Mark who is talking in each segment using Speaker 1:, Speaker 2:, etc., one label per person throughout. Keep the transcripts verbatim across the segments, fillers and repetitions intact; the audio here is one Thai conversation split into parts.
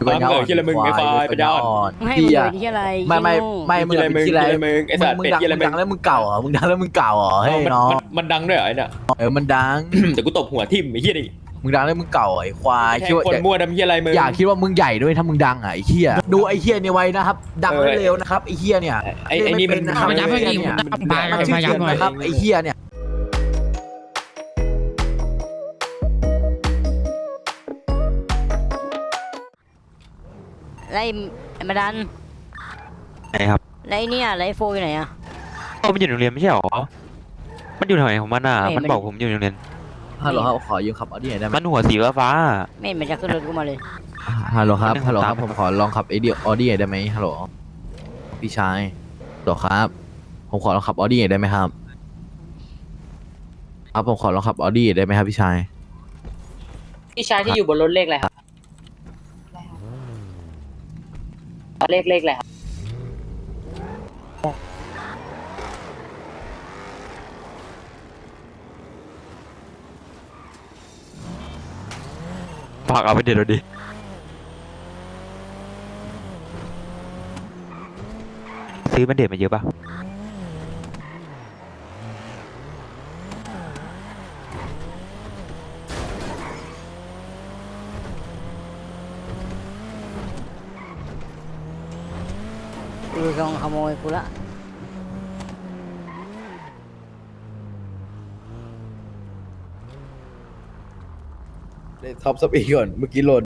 Speaker 1: ปัญญาอ่อน
Speaker 2: เออที่อะไรมึงไอ้ควายปัญญาอ่อน
Speaker 3: ให้
Speaker 1: พี่
Speaker 3: มึง
Speaker 1: อะ
Speaker 3: เลยที่อะไร
Speaker 1: ไม่ไม่ไม่มึง
Speaker 2: ที่อะไร
Speaker 1: เป็นที่อะไร
Speaker 2: มึงไอ้สัตว์
Speaker 1: มึง
Speaker 2: เป็ด
Speaker 1: ดัง
Speaker 2: ที่อะไร
Speaker 1: มึงดังแล้วมึงเก่าเหรอมึงดังแล้วมึงเก่าเหรอเฮ้ย
Speaker 2: มัน
Speaker 1: น้อง
Speaker 2: มันมันดังด้วยเหรอไอ้เนี่ย
Speaker 1: เออมันดัง
Speaker 2: แต่กูตบหัวทิ่มไอ้เหี้ยนี่
Speaker 1: มึงดังแล้วมึงเก่าไอ้ควาย
Speaker 2: แท
Speaker 1: คิด
Speaker 2: ง
Speaker 1: ว่า
Speaker 2: คนมั่วดำเหี้ยอะไรมึง
Speaker 1: อยากคิดว่ามึงใหญ่ด้วยถ้ามึงดังอ่ะไอ้เหี้ยดูไอ้เหี้ยเนี่ยไว้นะครับดังแล้วเร็วนะครับไอ้เหี้ยเนี่ย
Speaker 2: ไอ้ไอ้นี่มัน
Speaker 1: นะครับ
Speaker 4: พยายามให้
Speaker 1: ไอ้
Speaker 4: ดี
Speaker 1: เหี้ย
Speaker 4: ผม
Speaker 1: เนี่ย
Speaker 4: ตามไป
Speaker 1: มันชื่อ
Speaker 4: พยายาม
Speaker 1: เกียร
Speaker 4: หน่อย
Speaker 1: นะครับไอ้เหี้ยเนี่ย
Speaker 3: ไรมาดัน
Speaker 5: ไหนครับ
Speaker 3: ไรเนี่ยไรโฟอยู่ไหนอะ
Speaker 5: โอ้มันอยู่โรงเรียนไม่ใช่หรอ มันอยู่แถวไหนของมันอ่ะ
Speaker 3: ไม่
Speaker 5: มัน
Speaker 3: มัน
Speaker 5: บอกผมอยู่โรงเรียน
Speaker 1: ฮัลโหลครับขอยืมขับออดี้หน่อยได้ไหม
Speaker 5: มันหัวสีฟ้า
Speaker 3: ไม่เห็นมันจะขึ้นรถกูมาเลย
Speaker 1: ฮัลโหลครับ
Speaker 5: อันหนึ่ง
Speaker 1: ฮัลโหลครับ
Speaker 5: ตาม
Speaker 1: ผมขอลองขับไอเดียออดี้หน่อยได้ไหมฮัลโหลพี่ชายฮัลโหลครับผมขอลองขับออดี้หน่อยได้ไหมครับครับผมขอลองขับออดี้ได้ไหมครับพี่ชาย
Speaker 6: พี่ชายที่อยู่บนรถเลขอะไรครับเลขเลขอะไรครับ
Speaker 5: ฝากเอาไปเด็ดเราดิ ซื้อแบนเด็ดมาเยอะป่ะ
Speaker 3: กูกำลังขโมยกูละ
Speaker 1: ท็อปสปีดก่อนเมื่อกี้โหลด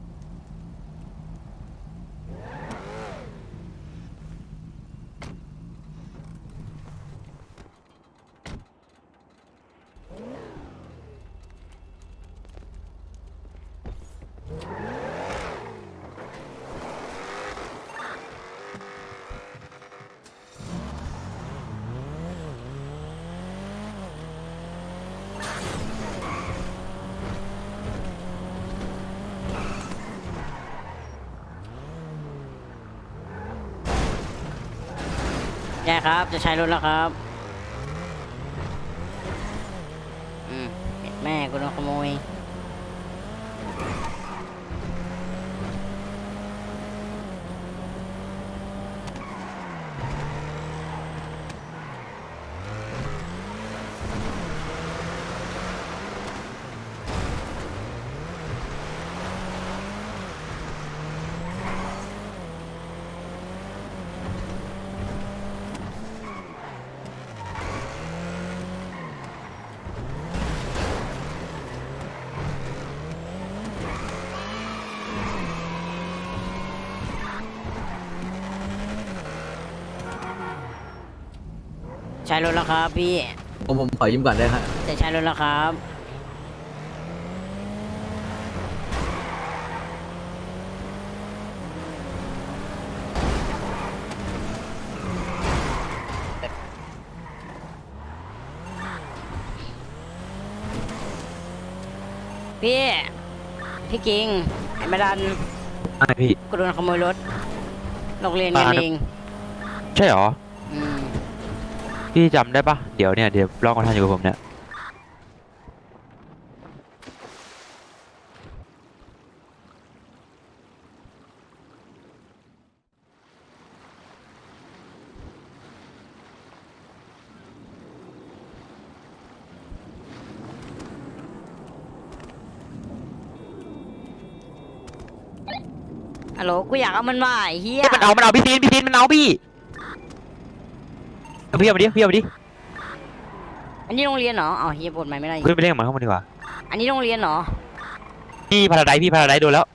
Speaker 3: ใช่ครับจะใช้รถแล้วครับอืมแม่กูโดนขโมยใช้รถแล้วครับพี่
Speaker 1: ผมผมขอยืมก่อนได้ครับ
Speaker 3: จะใช้รถแล้วครับพี่พี่กิงไอ้มาดัน
Speaker 5: ใช่พี่
Speaker 3: กูโดนขโมยรถโรงเรียนกัน
Speaker 5: อ่า
Speaker 3: เอง
Speaker 5: ใช่หรอ
Speaker 3: อืม
Speaker 5: พี่จำได้ปะเดี๋ยวเนี่ย เดี๋ยวลองกันทันอยู่กับผมเนี่ย
Speaker 3: ฮัลโหลกูอยากเอามันมาไอ้เฮีย
Speaker 5: มันเอา มันเอาพี่ซีนพี่ซีนมันเอาพี่เอาพี่เอามาดิพี่เอามาดิ
Speaker 3: อันนี้โรงเรียนเหรออ๋อเฮียปวดไหมไม่ได้
Speaker 5: ขึ้นไปเล่นกับมันข้างบนดีกว่า
Speaker 3: อันนี้โรงเรียนเหรอ
Speaker 5: พี่พาราไดพี่พาราไดโดนแล้ว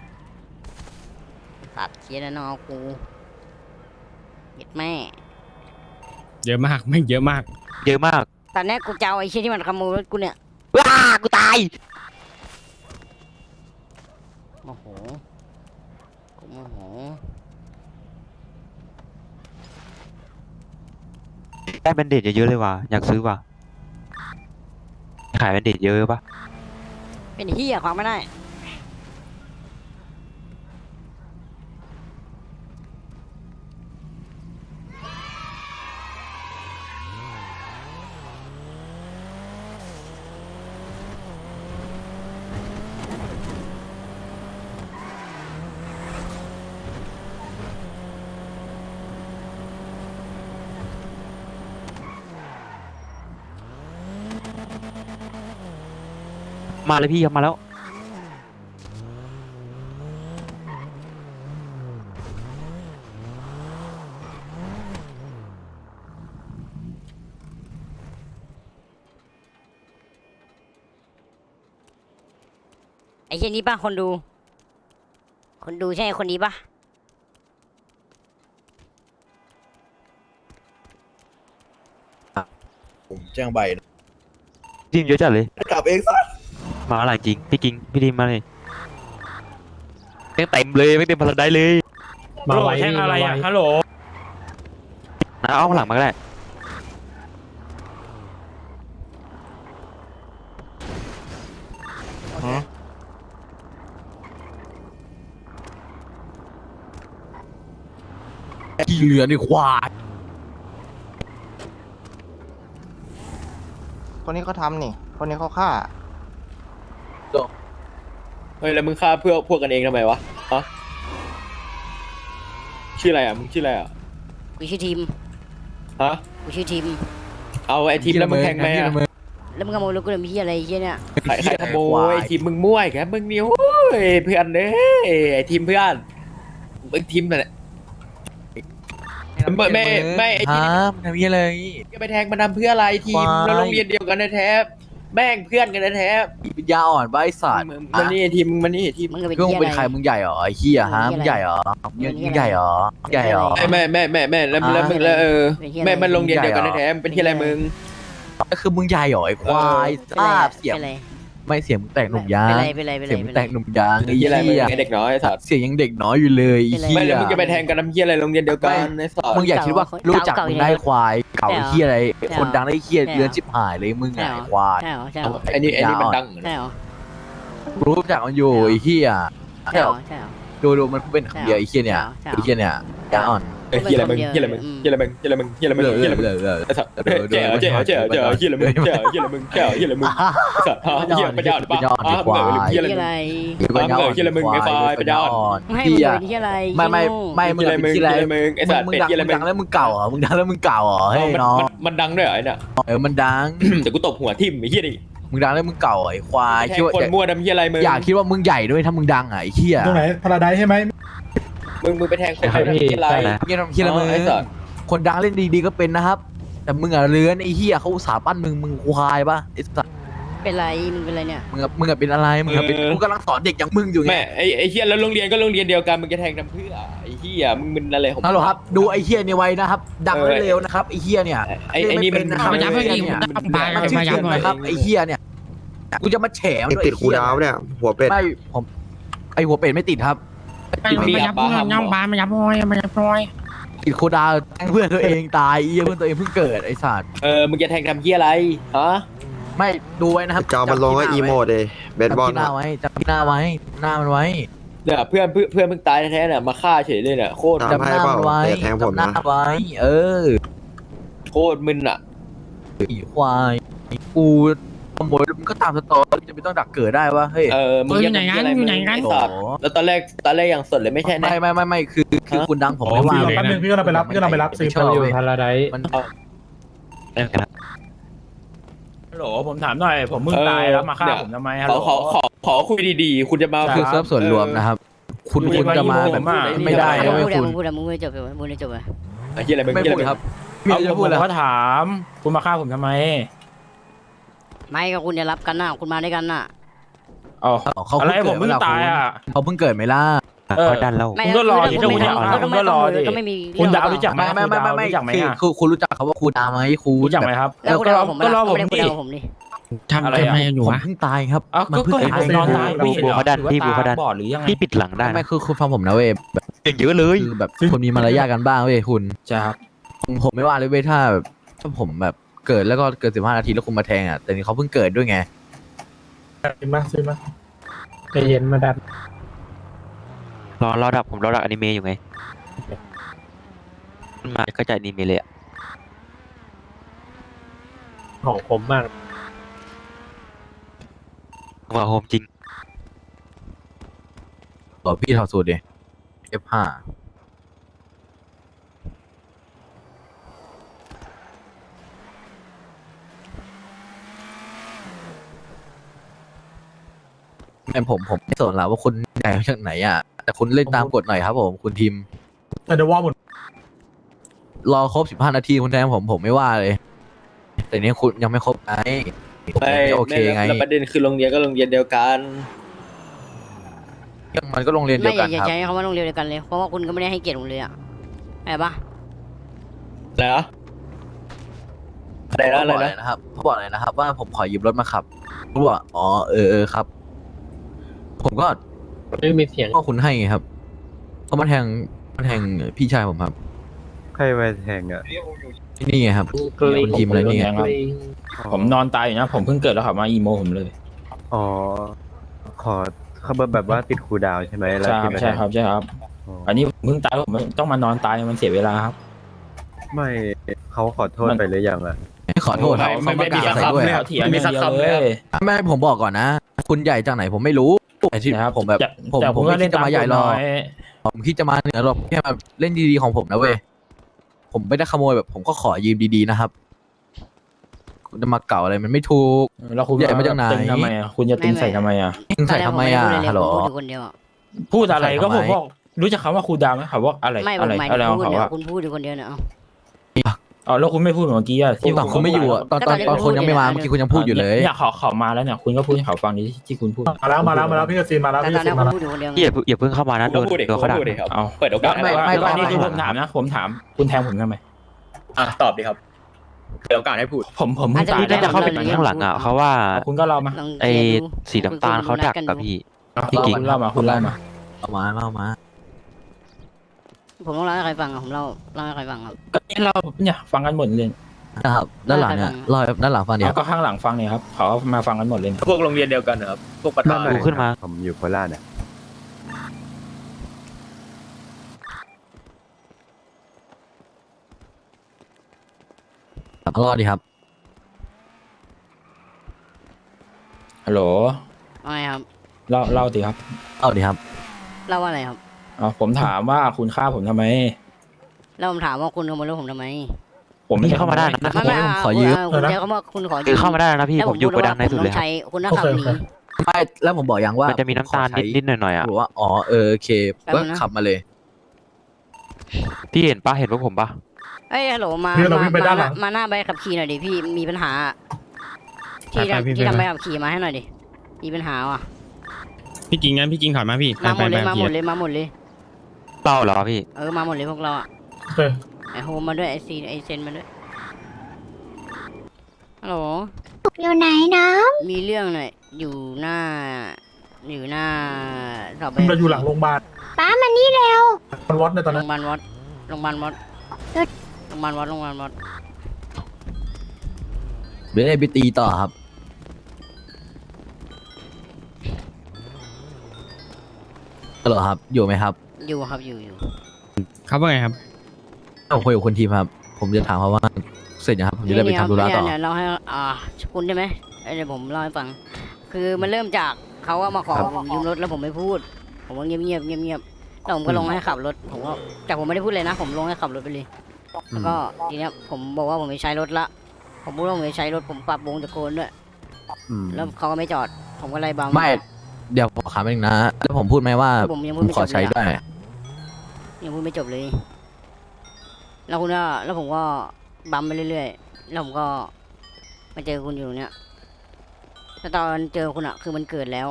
Speaker 3: ตัดเชียร์แล้วน้องกูเห็ดแม่
Speaker 4: เยอะมากไม่งเยอะมาก
Speaker 5: เยอะมาก
Speaker 3: ตอนนี้กูจะเอาไอ้เชียที่มันขโมยรถกูเนี่ย
Speaker 5: ว้ากูตาย
Speaker 3: โมโหกูโมโห
Speaker 5: ได้แบนเดดเยอะๆเลยว่ะ อยากซื้อว่ะ ขายแบนเดดเยอะปะ
Speaker 3: เป็นเฮียความไม่ได้
Speaker 5: มาเลยพี่เขามาแล้ว
Speaker 3: ไอ้เช่นนี้ป่ะคนดู คนดูใช่คนนี้ป่ะ
Speaker 1: ผมแจ้งใบนะ
Speaker 5: ทีมเยอะจัดเลย
Speaker 1: กลับเองซะ
Speaker 5: มาหลายจริงพี่กิงพี่ทีมมาเลยแม่งเต็มเลยไม่เต็มพลังได้เลย
Speaker 4: มาไว้แท่งอะไรอ่ะฮัลโหล
Speaker 5: นะเอาข้างหลังมาก็ได้
Speaker 1: กี่เหลือในควาย
Speaker 7: คนนี้เขาทำนี่ คนนี้เขาฆ่า
Speaker 2: เฮ้ยแล้วมึงฆ่าเพื่อพวกกันเองทำไมวะฮะชื่ออะไรอ่ะมึงชื่ออะไรอ่ะ
Speaker 3: กูชื่อทีม
Speaker 2: ฮะ
Speaker 3: กูชื่อทีม
Speaker 2: เอาไอ้ทีมแล้วมึงแทงไหมอ่ะ
Speaker 3: แล้วมึงขโมยรถกูเลยมีที่อะไรไอ้เชี่ยเนี่ย
Speaker 2: ใครใครขโมยไอ้ทีมมึงมั่วอีกแล้วมึงนี่โอ้ยเพื่อนเด้ไอ้ทีมเพื่อนมึงทีมนั่นแหละไม่ไม่ไม่ไอ้ที
Speaker 1: ฮะ
Speaker 2: ม
Speaker 1: มันทำยังไงเลย
Speaker 2: จะไปแทงมันทำเพื่ออะไรทีม
Speaker 1: วาย
Speaker 2: เราโรงเรียนเดียวกันแท้ๆแม่งเพื่อนกันแท้
Speaker 1: ปัญญาอ่อนบ้าไอ้สัต
Speaker 2: ๆ
Speaker 1: ว์
Speaker 2: มึงมันนี่ทีมมึงมันนี่ทีม
Speaker 3: มึงก็เป็น
Speaker 1: ก็มึง
Speaker 3: เชี่ย
Speaker 1: เป็น
Speaker 3: อะ
Speaker 1: ใคร
Speaker 3: ไร
Speaker 1: มึงใหญ่เหรอไอ้เหี้ยฮะมึงใหญ่เหรอมึงมึงใหญ่เหรอมึงใหญ่เหรอ
Speaker 2: แม่แม่แม่แม่แล้วแล้วมึงแล้วเออแม่มันโรงเรียนเดียวกันแท้ๆมันเป็นที่อะไรมึง
Speaker 1: ก็คือมึงใหญ่เหรอไอ้ควาย
Speaker 3: เป็น
Speaker 1: ท
Speaker 3: ไร
Speaker 1: ราบ
Speaker 3: อะ
Speaker 1: เสียง
Speaker 3: เป็นไร
Speaker 1: ไม่เสียงมึงแตกหนุ่มยา
Speaker 3: เป็น
Speaker 1: ง
Speaker 3: ไรเป็นไรเป็นไร
Speaker 1: เสียงมึ
Speaker 3: เป็
Speaker 1: ง
Speaker 3: น
Speaker 1: แต
Speaker 3: ไร
Speaker 1: กหนุ่มยางไอ้
Speaker 2: ที่
Speaker 1: เหี้
Speaker 2: อะไรมึง
Speaker 1: ย
Speaker 2: ไอเด็กน้อยไอ้สัตว์
Speaker 1: เสียงยังเด็กน้อยอยู่เลยไอ้
Speaker 3: เป็นไร
Speaker 1: เหี้
Speaker 2: ไม่
Speaker 1: ย
Speaker 2: แล้วมึงจะไปแทงกันทำเหี้ยอะไรโรงเรียนเดียวกันไอ้สัตว์
Speaker 1: มึงอยากคิดว่ารู้จักมึงได้ควายเก่า
Speaker 3: ใช่เหรอ
Speaker 1: เหี้ยอะไร
Speaker 3: ใช่เหรอ
Speaker 1: คนดังได้เหี้ย
Speaker 3: ใช่เหรอ
Speaker 1: เรือนชิบหายเลยมึง
Speaker 3: ใช่
Speaker 1: ไง
Speaker 3: เหรอ
Speaker 1: ควาย
Speaker 3: ใช่เหรอใช่เหรอ
Speaker 2: ไอ้นี่ไอ้นี่มันดัง
Speaker 3: ใช่เหรอ
Speaker 1: รู้จักมันอยู่ไอ้เหี้ย
Speaker 3: ใช่เหรอใช่เหรอ
Speaker 1: ดูดูมันเป็นคำเดียวไอ้เหี้ยเนี่ย
Speaker 3: ใช่เหรอ
Speaker 1: ไอ้เหี้ยเนี่ยยาอ่อน
Speaker 2: เฮียอะไรมึงเฮียอะไรมึงเฮียอะไรมึงเฮียอะไรมึงเฮียอะไรมึงเฮียอะไรมึง
Speaker 1: เลย
Speaker 2: เฮียอะไรมึง
Speaker 1: เลยเลย
Speaker 2: ไอ้สัตว์เจ๋อเจ๋อเจ๋อเจ๋อเฮียอะไรมึงเจ๋อเฮียอะไรมึงเจ๋อเฮียอะไรมึงสัตว์ฮะเฮียปัญญาอ่อนปะฮะมึงเหนื่อยเฮียอะไร
Speaker 3: ที่
Speaker 2: มึ
Speaker 3: อะ
Speaker 2: ง
Speaker 3: ไร
Speaker 2: ฮะมึงเหนื่อยเฮียอะไรมึงไอ้ควายปัญญาอ่อน
Speaker 3: ไม่ให้
Speaker 1: เหี้
Speaker 3: มึง
Speaker 1: ย
Speaker 3: เป็นที่อะไร
Speaker 1: ไม่ไม่ไม่มึง
Speaker 2: เฮียอะไร
Speaker 1: เป็น
Speaker 2: มึง
Speaker 1: ที่
Speaker 2: เฮี
Speaker 1: ไร
Speaker 2: ยอะไรมึงไอ้สัตว์
Speaker 1: มึง
Speaker 2: เป็ด
Speaker 1: ดัง
Speaker 2: เฮียอะไร
Speaker 1: มึง
Speaker 2: มึ
Speaker 1: ดั
Speaker 2: ง
Speaker 1: งแล้วมึงเก่าเหรอมึงดังแล้วมึงเก่าเหรอเฮ้ยน้อง
Speaker 2: มันดังด้วยเหรอไอ้เนี่ย
Speaker 1: เออมันดัง
Speaker 2: เดี๋ยวกูตบหัวทิ่มไอ้เฮียดิ
Speaker 1: มึงดังแล้วมึงเก่าไอ้ควาย
Speaker 2: แท
Speaker 1: คิด
Speaker 2: ง
Speaker 1: ว่า
Speaker 2: คนมั่วดำเฮียอะไรมึง
Speaker 1: อยากคิดว่ามึงใหญ่ด้วยถ้ามึงดังอ่ะไอ้เหี้ย
Speaker 8: ตรงไหนพาราไดใช่ไหม
Speaker 2: มึงมึงไปแทงคนมั่วดำเฮียอะไร
Speaker 1: เงี้ยทำเหี้ยอะไรมึง
Speaker 2: ไอ้สัตว์
Speaker 1: คนดังเล่นดีๆก็เป็นนะครับ แต่มึงอ่ะเลื้อนไอ้เหี้ยเขาอุตส่าห์ปั้นมึงมึงควายปะไอ้สัส
Speaker 3: เป็นไรมึงเป็นไรเนี่ย
Speaker 1: มึงอะมึงอะเป็นอะไรมึงอะเป็นกูกำลังสอนเด็กอย่างมึงอยู่ไง
Speaker 2: แม่ไอ้ไอ้เฮียแล้วโรงเรียนก็โรงเรียนเดียวกันมึงจะแทงทำเพื่อไอ้เฮียมึงมึนอะไรของมึง
Speaker 1: ฮัลโหลครับดูไอ้เหี้ยเนี่ยไว้นะครับ ดังและเร็วนะครับไอ้เหี้ยเนี่ย
Speaker 2: ไอ้ไอ้นี่มัน
Speaker 1: เล่นไม่เป็นนะครับ
Speaker 2: ไอ้
Speaker 1: ไอ้
Speaker 2: นี่
Speaker 1: เหี้ย
Speaker 2: มัน
Speaker 1: เนี่ย
Speaker 2: มัน
Speaker 1: มันชื่อเสียงนะครับไอ้เหี้ยเนี่ยกูจะมาแฉมันด้วย
Speaker 7: ติดครูดาวเนี่ย หัวเป็ด
Speaker 1: ไม่ผมไอ้หัวเป็ดไม่ติดครับ
Speaker 2: มีอับบาฮัม
Speaker 4: ย่องบานมายับพอยมายับพอย
Speaker 1: ติดโคดาวแทงเพื่อนตัวเองตายไอ้เหี้ยเพื่อนตัวเองเพิ่งเกิดไอ้สัตว์
Speaker 2: เออมึงจะแทงทำเฮียอะไรฮะ
Speaker 1: ไม่ดูไว้นะครับ
Speaker 7: จอมันลงก็อีโมดเลยเบส
Speaker 1: จำ
Speaker 7: บอล
Speaker 1: ที่หน้าไว้จำที่หน้าไว้หน้ามันไว้
Speaker 2: เนี่ยเพื่อนเพื่อนเพื่อนมึงตายแท้ๆเนี่ยมาฆ่าเฉยเลยเนี่ยโคตร
Speaker 7: จำให้เปล่า
Speaker 1: ไว้
Speaker 7: แต่แทงผม
Speaker 1: จำหน้า
Speaker 7: นะ
Speaker 1: ไว้ เออ
Speaker 2: โคตรมึนอ่ะ
Speaker 1: อีควายกูขโมยมึงก็ตามสตอรี่จะไม่ต้องดักเกิดได้วะเฮ้ย
Speaker 2: เออมึง
Speaker 4: อ
Speaker 2: จะ
Speaker 4: ยู่ไหน
Speaker 2: ทำ
Speaker 4: กัน
Speaker 2: เหี้ยอะไร
Speaker 4: อยู่ไหนกัน
Speaker 2: ไอ้สัตว์แล้วตอนแรกตอนแรกอย่างสดเลยไม่ใช่นะ
Speaker 1: ไม่ไม่ไม่ไม่คือคือคุณดังผมไม่ว่า
Speaker 8: พี่รอแป๊บนึงพี่ก็เราไปรับพี่ก็เราไปรับซื้อ
Speaker 1: ชอบ
Speaker 8: อยู่
Speaker 1: เว้ย
Speaker 8: พาราได
Speaker 1: มัน
Speaker 4: ฮัลโหลผมถามหน่อยผมมึงตายแล้วมาฆ่าผมทำไมฮัล
Speaker 2: ข
Speaker 4: โห
Speaker 2: อ
Speaker 4: ล
Speaker 2: ขอขอขอคุยดีๆ คุณจะมา
Speaker 1: คือเซิร์ฟส่วนรวมนะครับ คุณ
Speaker 2: เออ
Speaker 1: คุณจะมาแบบ
Speaker 2: ผมอะ
Speaker 1: ไม่ได้
Speaker 3: มึ
Speaker 1: นะ
Speaker 3: ง
Speaker 1: เว้ย
Speaker 3: พูดอะ
Speaker 1: คุณ
Speaker 3: มึงพูดอะมึงพูดจบเลยมึงพูดจบเลย
Speaker 2: ไอ้เฮียอะไรมึง
Speaker 1: ไม่
Speaker 2: เฮีย
Speaker 1: พู
Speaker 2: อะ
Speaker 1: ด
Speaker 2: ไร
Speaker 1: ครับ
Speaker 4: เอา
Speaker 1: พี่
Speaker 4: ผ
Speaker 1: จะ
Speaker 4: ม
Speaker 1: พูด
Speaker 4: ผ
Speaker 1: เหร
Speaker 4: ม
Speaker 1: อ
Speaker 4: ก็ถามคุณมาฆ่าผมทำไม
Speaker 3: ไม่ก็คุณจะรับกันน่ะคุณมาด้วยกันน่ะ
Speaker 4: อ๋อ
Speaker 1: เขา
Speaker 4: อะไร
Speaker 1: เพิ่ง
Speaker 4: ผมเพิ่ง
Speaker 1: เกิด
Speaker 4: ตายอ่ะ
Speaker 1: เขาเพิ่งเกิดไหมล่ะ
Speaker 5: เออดันแล้ว
Speaker 3: ไม่
Speaker 4: คุณก็รอดิ
Speaker 3: ถ้า
Speaker 4: คุณ
Speaker 3: ไม่
Speaker 4: จะเอา
Speaker 3: ถ้า
Speaker 4: คุณก็รอดิ
Speaker 3: ก็ไม่มี
Speaker 4: คุณ
Speaker 3: เรื่
Speaker 4: ดาว
Speaker 3: อง
Speaker 4: รู้จักไหม
Speaker 1: ไม่ไม่ไม่ไม่ไม่
Speaker 4: รู้จักไหม
Speaker 1: คือ
Speaker 4: อ่ะ
Speaker 1: คือคุณรู้จักเขาว่าครูดาไหมครู
Speaker 4: รู้จักไหมครับ
Speaker 3: แล้วคุณเอาผม
Speaker 4: ก็รอผม
Speaker 3: ไม่
Speaker 4: ดิ
Speaker 3: ได้คุณเอาผมดิ
Speaker 4: ทำอะไรอ่ะ
Speaker 1: ผมเพิ่งตายครับ
Speaker 4: เอ้า
Speaker 1: มัน
Speaker 4: ก็
Speaker 1: เพิ่ง
Speaker 4: ก็เห็น
Speaker 1: ตา
Speaker 4: ผม
Speaker 1: ย
Speaker 4: นอนตายไม่เห็นเหรอ
Speaker 5: เขาดัน
Speaker 4: หรือว่า
Speaker 5: พี่บูเขาดัน
Speaker 4: ตาบอดหรือยังไง
Speaker 5: พี่ปิดหลังได้
Speaker 1: ไม่คือคุณฟังผมนะเว้ยแบบ
Speaker 5: เก่งเยอะเลย
Speaker 1: คือแบบคนมีมารยาทกันบ้างเว้ยคุณ
Speaker 4: ใช่ครับ
Speaker 1: ผมผมไม่ว่าเลยเว้ยถ้าแบบถ้าผมแบบเกิดแล้วก็เกิดสิบห้านาทีแล้วคุณมาแทงอ่ะแต่นี่เขาเพิ่งเกิดด้วยไง
Speaker 8: ซื้อมาซื้อมาใจเย็นมาดัน
Speaker 5: รอรอดับผมรอดับอนิเมะอยู่ไงมันมาก็จะอนิเมะเลยอะ
Speaker 8: ของผมมาก
Speaker 5: ว่าโฮมจริง
Speaker 1: ต่อพี่ถอดสูตรดิ เอฟ ห้าไม่ผมผมไม่สนแล้วว่าคุณใหญ่มาจากไหนอ่ะแต่คุณเล่นตามกฎหน่อยครับผมคุณทีม
Speaker 8: แต่เดี๋ยวว่าหมด
Speaker 1: รอครบสิบห้านาทีคุณแทงผมผมไม่ว่าเลย แต่เนี้ยคุณยังไม่ครบไงผม
Speaker 2: ไม่
Speaker 1: ไม่โอเคไง
Speaker 2: แล้วประเด็นคือโรงเรียนก็โรงเรียนเดียวกัน
Speaker 1: มันก็โรงเรียนเดี
Speaker 3: ไม่
Speaker 1: ยว
Speaker 3: อ
Speaker 1: กั
Speaker 3: ย่าน อย่า
Speaker 1: ครับ
Speaker 3: ใช้คำว่าโรงเรียนเดียวกันเลย เพราะว่าคุณก็ไม่ได้ให้เกียรติโรงเรียนอะอะไรปะ
Speaker 2: แล้วอะไรนะอะไร
Speaker 1: เขาบอก
Speaker 2: นะ
Speaker 1: นะครับเขาบอกเลยนะครับ ว่าผมขอยืมรถมาขับเขาบอกว่าอ๋อเออเออครับ ผมก็
Speaker 8: ไม่มีเสียง
Speaker 1: ก็คุณให้ไงครับเขามาแทงมาแทงพี่ชายผมครับ
Speaker 7: ใครไปแทงอ่ะ
Speaker 1: ที่นี่ไงครับคุณทีมอะไรนี่ไง
Speaker 4: ครับผมนอนตายอยู่นะ ผมเพิ่งเกิดแล้วขับมาอีโมผมเลย
Speaker 7: อ๋อ ขอเขาแบบว่าติดคูลดาวน์ใช่ไหมแล้ว
Speaker 4: ใช่ครับ
Speaker 7: ที่ไป
Speaker 4: ใช่
Speaker 7: แทง
Speaker 4: ครับใช่ครับ
Speaker 7: อ๋อ
Speaker 4: อันนี้ผมเพิ่งตายผมต้องมานอนตายมันเสียเวลาครับ
Speaker 7: ไม่เขาขอโทษ
Speaker 4: มัน
Speaker 7: ไปหรือยังอ่ะ
Speaker 1: ไม่ขอโทษครับ
Speaker 2: ไม่
Speaker 1: เขา
Speaker 2: ไม่
Speaker 1: ประ
Speaker 2: มี
Speaker 1: กาศ
Speaker 2: สัก
Speaker 1: ใส่
Speaker 2: คำ
Speaker 1: ด้วย
Speaker 2: เลย
Speaker 1: ค
Speaker 2: ค
Speaker 1: รั
Speaker 2: รับ บไม่มีสักคำเลย
Speaker 1: ไม่ผมบอกก่อนนะ คุณใหญ่จากไหนผมไม่รู้แต่ที่
Speaker 4: นะครับ
Speaker 1: ผมแบบ
Speaker 4: แต่
Speaker 1: ผม
Speaker 4: แต่
Speaker 1: ผมไม่คิดจะมาใหญ่หรอก
Speaker 4: ตามกฎย
Speaker 1: ผมคิดจะมาเหนือหรอกแค่มาเล่นดีๆของผมนะเว้ยผมไม่ได้ขโมยแบบ ผมก็ขอยืมดีๆนะครับ คุณจะมาเก่าอะไรมันไม่ถูก
Speaker 4: แล้วคุณ
Speaker 1: ใหญ่มาจากไหน
Speaker 4: ตึงทำไมอ่ะคุณจะตึงใส่ทำไมอ่ะ
Speaker 1: ยิงใส่ทำไมอ่ะ
Speaker 3: ตนแรก
Speaker 1: ฮัลโหล
Speaker 3: ผมไม่ได้พูดเลยผมพูดอยู่คนเดียวอะ
Speaker 4: พูดอะไรก็
Speaker 1: ใส่
Speaker 4: ผ
Speaker 1: ทำ
Speaker 4: ม
Speaker 1: ไม
Speaker 4: บอกรู้จักคำว่าครูดาวไหมเขาว่าอะไร
Speaker 3: ไม่ผ
Speaker 4: อะ
Speaker 3: ม
Speaker 4: ไร
Speaker 3: หมาย
Speaker 4: อะ
Speaker 3: ถึ
Speaker 4: ไรง ของ
Speaker 3: พูด
Speaker 4: เขา
Speaker 3: เนี่ย
Speaker 4: อะ
Speaker 3: คุณพูดอยู่คนเดียวเนี่ยเอา
Speaker 4: อ๋อแล้วคุณไม่พูดเหมือนเมื่อกี้อะที่
Speaker 1: ตอนคุณไม่อยู่อะตอนตอนตอนคุณยังไม่มาเมื่อกี้คุณยังพูดอยู่เลย
Speaker 4: เนี่ยเขาเขามาแล้วเนี่ยคุณก็พูดให้เขาฟังดิที่คุณพูด
Speaker 8: มาแล้วมาแล้วมาแล้วพี่กซีนมาแล้ว
Speaker 3: แต่
Speaker 8: พี่
Speaker 3: ต
Speaker 8: ก
Speaker 3: อน
Speaker 8: ซี
Speaker 3: แรก
Speaker 8: น
Speaker 3: ผ
Speaker 8: มาม แล้ว
Speaker 3: พูดอยู่คนเดียวไง
Speaker 5: อย่าเพิ่งอย่าเพิ่งเข้ามานะโดน
Speaker 2: พูดดิ
Speaker 5: โดนเขาด่า
Speaker 2: พูดดิครับ
Speaker 4: เอา
Speaker 2: เปิดโอกาส
Speaker 1: ไม่ไม่
Speaker 4: แล้วอันนี้
Speaker 1: ไม่
Speaker 4: คือผมถามนะ ผมถามคุณแทงผมทำไม
Speaker 2: อ่ะตอบดิครับเปิดโอกาสให้พูด
Speaker 4: ผมผมเพิ่งตาย
Speaker 5: พี่น่าจะเข้าไปข้างหลังอ่ะเขาว่า
Speaker 4: เอาคุณก็เล่ามา
Speaker 3: ลอง
Speaker 5: ไอ้
Speaker 3: เคลียร์ดู
Speaker 5: สีน้ำตาลเขาดักกับพี่ พี่
Speaker 4: เอา
Speaker 5: กิ๊ก
Speaker 4: คุณเล่ามาคุณเล่ามา
Speaker 1: เอามาเอามา
Speaker 3: ผมต้องเล่าให้ใครฟังอะผมเล่าเล่าให้ใครฟังครับ
Speaker 4: ก็เนี่ยเราเนี่ยฟังกันหมดเลย
Speaker 1: นะครับด้านหลังเนี่ยรอยด้านหลังฟังเดียว
Speaker 4: เอาก็ข้างหลังฟังเนี่ยครับเขามาฟังกันหมดเลยเนี่ย
Speaker 2: พวกโรงเรียนเดียวกันนะครับพวกประธาน
Speaker 5: ดูขึ้นมา
Speaker 7: ผมอยู่โคราชเนี่ย
Speaker 1: ครับรอดดีครับ
Speaker 4: ฮัลโหล
Speaker 3: ว่าไงครับ
Speaker 4: เล่าเล่าสิครับ
Speaker 1: เอาดีครับ
Speaker 3: เล่าว่าอะไรครับ
Speaker 4: เอาผมถามว่าคุณฆ่าผมทำไม
Speaker 3: แล้วผมถามว่าคุณขโมยรถผมทำไม
Speaker 4: ผมไม่
Speaker 5: พี่เข้ามาได้นะ
Speaker 3: ไม่ไม่
Speaker 1: ผม
Speaker 3: อ่ะ
Speaker 1: ขอยืม
Speaker 3: คุณคุณใช้คำว่าคุณขอยื
Speaker 5: คือเข้ามาได้นะพี่
Speaker 3: แล้ว
Speaker 5: ผมอยู่โกดังในสุดเลย
Speaker 3: ผม
Speaker 5: ค
Speaker 3: ต้
Speaker 5: รั
Speaker 3: อบ งใช้คุณนัก
Speaker 8: โอ
Speaker 3: ขับ
Speaker 8: เค
Speaker 3: ห
Speaker 8: โอ
Speaker 3: นี
Speaker 8: เค
Speaker 1: ไม่แล้วผมบอกยังว่า
Speaker 5: มันจะมีน้ำตาลนิดนิดหน่อยหน่อยๆอ่ะ
Speaker 1: บอกว่าอ๋อเออโอเค
Speaker 3: แป๊บ
Speaker 1: ก็
Speaker 3: นึงนะ
Speaker 1: ขับมาเลย
Speaker 5: พี่เห็นปะเห็นพวกผมปะ
Speaker 3: เอ้ยฮัลโหลมา
Speaker 8: พี่เรา
Speaker 3: มา
Speaker 8: วิ่งไปด้านหลัง
Speaker 3: มาหน้าใบขับขี่หน่อยดิพี่มีปัญหาอะที่
Speaker 9: ไปไปพี่
Speaker 3: ทำที่
Speaker 9: ไป
Speaker 3: ทำ
Speaker 9: ไป
Speaker 3: ใบขับขี่มาให้หน่อยดิมีปัญหาว่ะ
Speaker 9: พี่กิงงั้นพี่กิงถอยมาพี่
Speaker 3: มาหมดเลย
Speaker 9: ไป
Speaker 3: มา
Speaker 9: ไป
Speaker 3: หมด
Speaker 9: ไป
Speaker 3: เลยมาหมดเลย
Speaker 5: เล่าเหรอพี่
Speaker 3: เออมาหมดเลยพวกเราอะ
Speaker 8: โอเค
Speaker 3: ไอโฮมมาด้วยไอซีไอเซนมาด้วยฮัลโหล
Speaker 10: อยู่ไหนนะ
Speaker 3: มีเรื่องหน่อยอยู่หน้า อยู่หน้าสอบใบ
Speaker 8: เราอยู่หลังโรงพยาบาล
Speaker 10: ป้ามานี่เร็ว
Speaker 8: มันวัดในตอน
Speaker 3: โร
Speaker 8: นั้
Speaker 3: ง
Speaker 8: น
Speaker 3: พยาบาลวัดโรงพยาบาลวัด
Speaker 10: เอิ๊ด
Speaker 3: โรงพยาบาลวัดโรงพยาบาลวัด
Speaker 1: เดี๋ยวได้ไปตีต่อครับฮัลโหลครับ อยู่ไหมครับ
Speaker 3: อยู่ครับอยู่อยู่
Speaker 9: ครับว่าไงครับ
Speaker 1: ผมคุยกับคนทีมครับ ผมจะถามเขาว่าเสร็จยังครับผมจะได้ไปทำธุระต่อ
Speaker 3: เนี่ยเนี่ยเราให้อ่าคุณใช่ไหมเอ้ยเดี๋ยวผมเล่าให้ฟัง คือมันเริ่มจากเขาว่ามาขอ
Speaker 1: ครับ
Speaker 3: ผมยืมรถแล้วผมไม่พูด ผมก็เงียบเงียบเงียบเงียบแล้วผมก็ลงให้ขับรถผมก็แต่ผมไม่ได้พูดเลยนะ ผมลงให้ขับรถไปเลยแล้วก็ทีเนี้ยผมบอกว่าผมไม่ใช้รถละ ผมพูดว่าผมไม่ใช้รถผมปรับวงตะโกนด้วย
Speaker 1: อืม
Speaker 3: แล้วเขาก็ไม่จอด ผมก็ไล่บัง
Speaker 1: ไม่ เดี๋ยวผมถามเองนะ แล้วผมพูดไหมว่า
Speaker 3: ผมยัง
Speaker 1: ผ
Speaker 3: พูด
Speaker 1: ม
Speaker 3: ไม่
Speaker 1: ข
Speaker 3: จ
Speaker 1: อบ ใช้
Speaker 3: เลย
Speaker 1: ได้
Speaker 3: อะยังพูดไม่จบเลย แล้วคุณก็แล้วผมก็บัมไปเรื่อยๆแล้วผมก็มาเจอคุณอยู่ตรงเนี้ยแล้วตอนเจอคุณอะคือมันเกิดแล้ว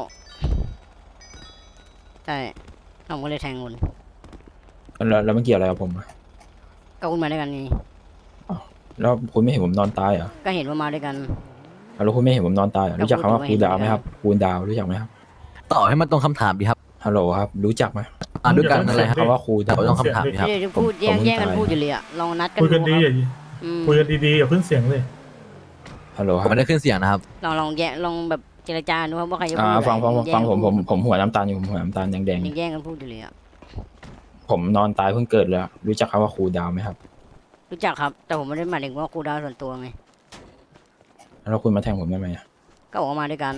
Speaker 3: ใช่แล้วผมก็เลยแทงคุณ
Speaker 4: แล้วแล้วมันเกี่ยวอะไรกับผมอะ
Speaker 3: ก็คุณมาด้วยกันไง
Speaker 4: แล้วคุณไม่เห็นผมนอนตายเหรอ
Speaker 3: ก็เห็นว่ามาด้วยกัน
Speaker 4: แล้วคุณไม่เห็นผมนอนตายเหรอ
Speaker 3: ก็
Speaker 4: รู้จักคำว่า
Speaker 3: พู
Speaker 4: คู
Speaker 3: ด
Speaker 4: ลดาวน์ไหม
Speaker 3: ไม่เห็น
Speaker 4: ครับคูลดาวน์รู้จักไหมครับ
Speaker 1: ต่อให้มันตรงคำถามดีครับ
Speaker 4: ฮัลโหลครับ รู้จักไหม
Speaker 1: อ่าด้วยกันอะไรครับ
Speaker 4: คำว่าคูล
Speaker 1: แต่
Speaker 4: ดาว
Speaker 1: ว่า
Speaker 4: น์
Speaker 1: ต้องคำถามดีครับ
Speaker 3: เดี๋ยวจะพูด
Speaker 4: ผม
Speaker 3: แย่ง
Speaker 4: ผม
Speaker 3: แย่งกัน
Speaker 4: ตาย
Speaker 3: พูดอยู่เลยอะลองนัดกัน
Speaker 8: คุยกันดี
Speaker 3: ค
Speaker 8: อ
Speaker 3: รับ
Speaker 8: ย่า
Speaker 3: อืม
Speaker 8: คุยกันดีๆอย่าขึ้นเสียงเลย
Speaker 4: ฮัลโหล
Speaker 1: ผ
Speaker 4: ค
Speaker 1: ม
Speaker 4: รับ
Speaker 1: ไม่ได้ขึ้นเสียงนะครับ
Speaker 3: ลองลองแย่งลองแบบเจรจาดูครับว่าใครจะพู
Speaker 4: อ่า
Speaker 3: ดอะไร
Speaker 4: ฟังฟัง
Speaker 3: แย่
Speaker 4: ฟังผม
Speaker 3: กัน
Speaker 4: ผม
Speaker 3: พูด
Speaker 4: ผมหัวน้ำตาลอยู่ผมหัวน้ำตาลแดงแดง
Speaker 3: ยังแย่งกันพูดอยู่เลยอะ
Speaker 4: ๆผมนอนตายเพิ่งเกิดเลยอะรู้จักคำว่าคูลดาวน์ไหมครับ
Speaker 3: รู้จักครับ แต่ผมไม่ได้หมายถึงว่าครูดาวส่วนตัวไง
Speaker 4: แล้วคุณมาแทงผมทำไมอะ
Speaker 3: ก็ออกมาด้วยกัน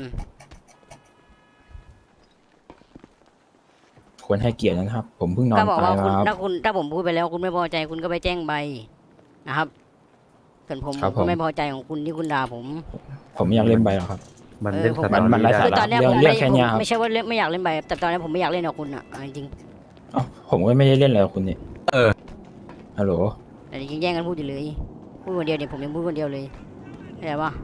Speaker 4: ควรให้เกียรตินะครับ ผมเพิ่งนอ
Speaker 3: ก็
Speaker 4: น
Speaker 3: บอก
Speaker 4: ตาย
Speaker 3: ว่าคุณ
Speaker 4: มาครับ
Speaker 3: ถ้าคุณถ้าผมพูดไปแล้วคุณไม่พอใจคุณก็ไปแจ้งใบนะครับส่วนผม
Speaker 4: ครับ
Speaker 3: ผม
Speaker 4: ผม
Speaker 3: ก็ไม่พอใจของคุณที่คุณด่าผม
Speaker 4: ผมไม่อยากเล่นใบหรอกครับ
Speaker 7: มัน
Speaker 3: เออ
Speaker 7: เล่น
Speaker 3: ผม
Speaker 7: สตอ
Speaker 4: มัน
Speaker 7: รี่
Speaker 4: ไร้
Speaker 7: ได้
Speaker 4: สา
Speaker 3: คือ
Speaker 4: ระ
Speaker 3: ตอนเนี้ย
Speaker 4: เรื่
Speaker 3: ผ
Speaker 4: อง
Speaker 3: ม
Speaker 4: เรื่
Speaker 3: ไม่
Speaker 4: องแค่
Speaker 3: ผม
Speaker 4: เนี้ยครับ
Speaker 3: ไม่ใช่ว่าเล่นไม่อยากเล่นไปแต่ตอนนี้ผมไม่อยากเล่นกับคุณอ่ะเอาจริง
Speaker 4: เอ้าผมก็ไม่ได้เล่นอะไรกับคุณนี่
Speaker 1: เออ
Speaker 4: ฮัลโหล
Speaker 3: ๆแต่ยังแย่งกันพูดอยู่เลยพูดคนเดียวเนี่ยผมยังพูดคนเดียวเลยเข้าใจปะ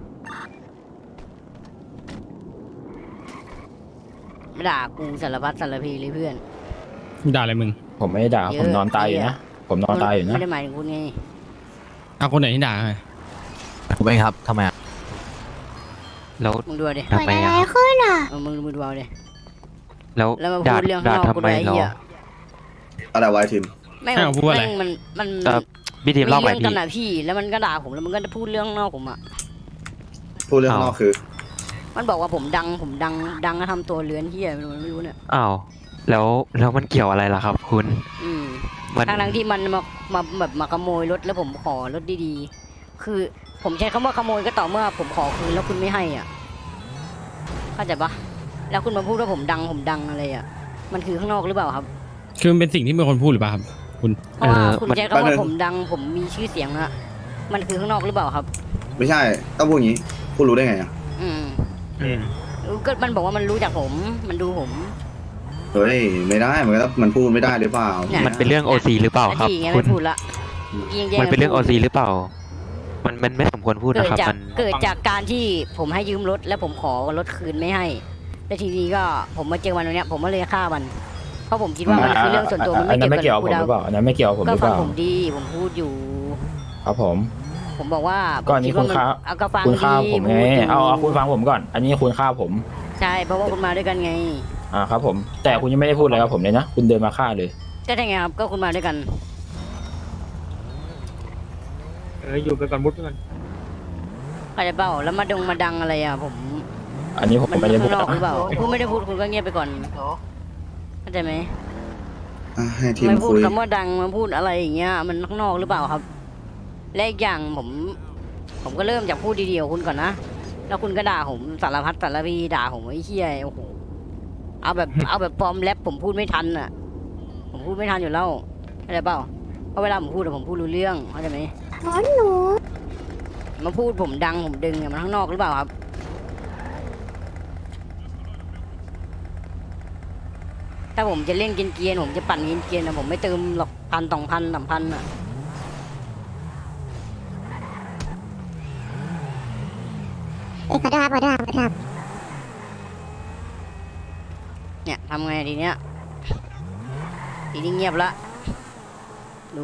Speaker 3: ไม่ด่ากูสารพัดสารพีเลยเพื่อน
Speaker 9: ด่าอะไรมึง
Speaker 4: ผมไม่ได้ด่า
Speaker 3: เยอะ
Speaker 4: ผมนอนตายอยู่
Speaker 3: เหี้
Speaker 4: นะ
Speaker 3: ย
Speaker 4: ผมนอนตายอยู่นะ
Speaker 3: ไม่ได้หมายถึงคุณไง
Speaker 9: เอาคนไหนที่ด่าไง
Speaker 1: ผมเองครับทำไมอะ
Speaker 5: แล้ว
Speaker 3: มึงดูดิ
Speaker 10: เกิ
Speaker 5: ทำ
Speaker 10: ด
Speaker 5: ไม
Speaker 10: อะไร
Speaker 5: อะครับ
Speaker 10: ขึ้นอ่ะ
Speaker 3: เออมึงมึงดูเอาดิ
Speaker 5: แล้ว
Speaker 3: แล้วมา
Speaker 5: ด่า
Speaker 3: พูดเรื่อง
Speaker 5: ด่า
Speaker 3: ข้างนอก
Speaker 5: ทำไม
Speaker 3: กูด้วยไอ้
Speaker 5: เหรอ
Speaker 3: เหี้ย
Speaker 8: อะไรไว้ทีม
Speaker 3: แม่ง
Speaker 9: ให้ผมพูดอะไร
Speaker 3: แม่งมันมัน
Speaker 5: เอ่อพี่ทีมเล่าใหม่
Speaker 3: เรื่อง
Speaker 5: พี่
Speaker 3: กันอะพี่แล้วมันก็ด่าผมแล้วมันก็จะพูดเรื่องข้างนอกผมอะ
Speaker 8: พูดเรื่องข้างนอกคือ
Speaker 3: มันบอกว่าผมดังผมดังดังแล้วทำตัวเลื้อนเหี้ยมันไม่รู้เนี่ย
Speaker 5: อ้าวแล้วแล้วมันเกี่ยวอะไรล่ะครับ คุณ
Speaker 3: อืม
Speaker 5: มัน
Speaker 3: ทางทั้งๆที่มันมามาแบบมาขโมยรถแล้วผมขอรถดีๆคือผมใช้คำว่าขโมยก็ต่อเมื่อผมขอคืนแล้วคุณไม่ให้อ่ะเข้าใจปะแล้วคุณมาพูดว่าผมดังผมดังอะไรอ่ะมันคือข้างนอกหรือเปล่าครับ
Speaker 9: คือมันเป็นสิ่งที่มีคนพูดหรือเปล่าครับ คุณ
Speaker 3: เพราะว่า
Speaker 5: เออ
Speaker 3: คุณ
Speaker 5: มัน
Speaker 3: ใช้คำว่าผมดังผมมีชื่อเสียงอะมันคือข้างนอกหรือเปล่าครับ
Speaker 8: ไม่ใช่ต้องพูดอย่างนี้คุณรู้ได้ไงอ่ะ
Speaker 3: อืม
Speaker 9: อืม
Speaker 3: ก็มันบอกว่ามันรู้จักผมมันดูผม
Speaker 8: เฮ้ยไม่ได้มันก็มันพูดไม่ได้หรือเปล่า
Speaker 3: เนี่ย
Speaker 5: มันเป็นเรื่องโอซีหรือเปล่าครับ
Speaker 3: นาทีไง
Speaker 5: คุ
Speaker 3: ไม่
Speaker 5: ณ
Speaker 3: พูดละยิงแย่ง
Speaker 5: มันเป็นเรื่องโอ
Speaker 3: พูด
Speaker 5: ซีหรือเปล่า มันมันไม่สมควรพูด
Speaker 3: เกิด
Speaker 5: นะครับ
Speaker 3: จาก
Speaker 5: มัน
Speaker 3: เกิดจากการที่ผมให้ยืมรถแล้วผมขอรถคืนไม่ให้แล้วทีนี้ก็ผมมาเจอมันตรงเนี้ยผมก็เลยฆ่ามัน เพราะผมคิดว่ามันคือเรื่องส่วนตัวมัน
Speaker 4: อั
Speaker 3: ไม่
Speaker 4: นนั้น
Speaker 3: เกี่ยว
Speaker 4: ไม่
Speaker 3: กับ
Speaker 4: เกี่ยวกับผมหรือเปล่าอันนั้นไม่เกี่ยวกับผมห
Speaker 3: ก็
Speaker 4: รือเป
Speaker 3: ฟัง
Speaker 4: ล่า
Speaker 3: ผมดีผมพูดอยู่
Speaker 4: ครับผม
Speaker 3: ผมบอกว่า
Speaker 4: ก็อันนี้
Speaker 3: ผมดว่า
Speaker 4: คุณฆ่า
Speaker 3: เอาก็ฟัง
Speaker 4: คุณฆ่า
Speaker 3: ดี
Speaker 4: ผมไง
Speaker 3: พูดยู่
Speaker 4: เอาเอาคุณฟังผมก่อน อันนี้คุณฆ่าผม
Speaker 3: ใช่เพราะว่าคุณมาด้วยกันไง
Speaker 4: อ่าครับผม แต่คุณยังไม่ได้พูดอะไรกับผมเลยนะ คุณเดินมาฆ่าเลย
Speaker 3: ก็ได้ไงครับก็คุณมาด้วยกัน
Speaker 8: เอออยู่ไปก่อนมุดไปก่อน
Speaker 3: เข้าใจเปล่าแล้วมาดงมาดังอะไรอ่ะผม
Speaker 4: อันนี้ผม
Speaker 3: มัน
Speaker 4: ไม่ได้พู
Speaker 3: ข้า
Speaker 4: ด
Speaker 3: งนอกหรือ
Speaker 4: นะ
Speaker 3: เปล่าคุณไม่ได้พูดคุณก็เงียบไปก่อนเข้าใจไหม
Speaker 8: อ่ะให้ทีม
Speaker 3: ไม่พูด
Speaker 8: คุย
Speaker 3: คำว่าดังมาพูดอะไรอย่างเงี้ยมันข้างนอกหรือเปล่าครับ และอีกอย่างผม ผมก็เริ่มจากพูดดีๆกับคุณก่อนนะแล้วคุณก็ด่าผมสารพัดสารพีด่าผมไอ้เหี้ยโอ้โหเอาแบบ เอาแบบปลอมแรปผมพูดไม่ทันอ่ะ ผมพูดไม่ทันอยู่แล้วเข้าใจเปล่าเพราะเวลาผมพูดอะผมพูดรู้เรื่องเข้าใจไหม
Speaker 10: อ๋อหนู
Speaker 3: มาพูดผมดังผมดึงอะมันข้างนอกหรือเปล่าครับ ถ้าผมจะเล่นเกรียนๆผมจะปั่นเกรียนๆนะผมไม่เติมหรอกพันสองพันสามพันอ่ะ
Speaker 10: เอกขอโทษครับขอโทษครับขอโทษครับ
Speaker 3: เนี่ยทำไงทีเนี้ยทีนี้เงียบละดู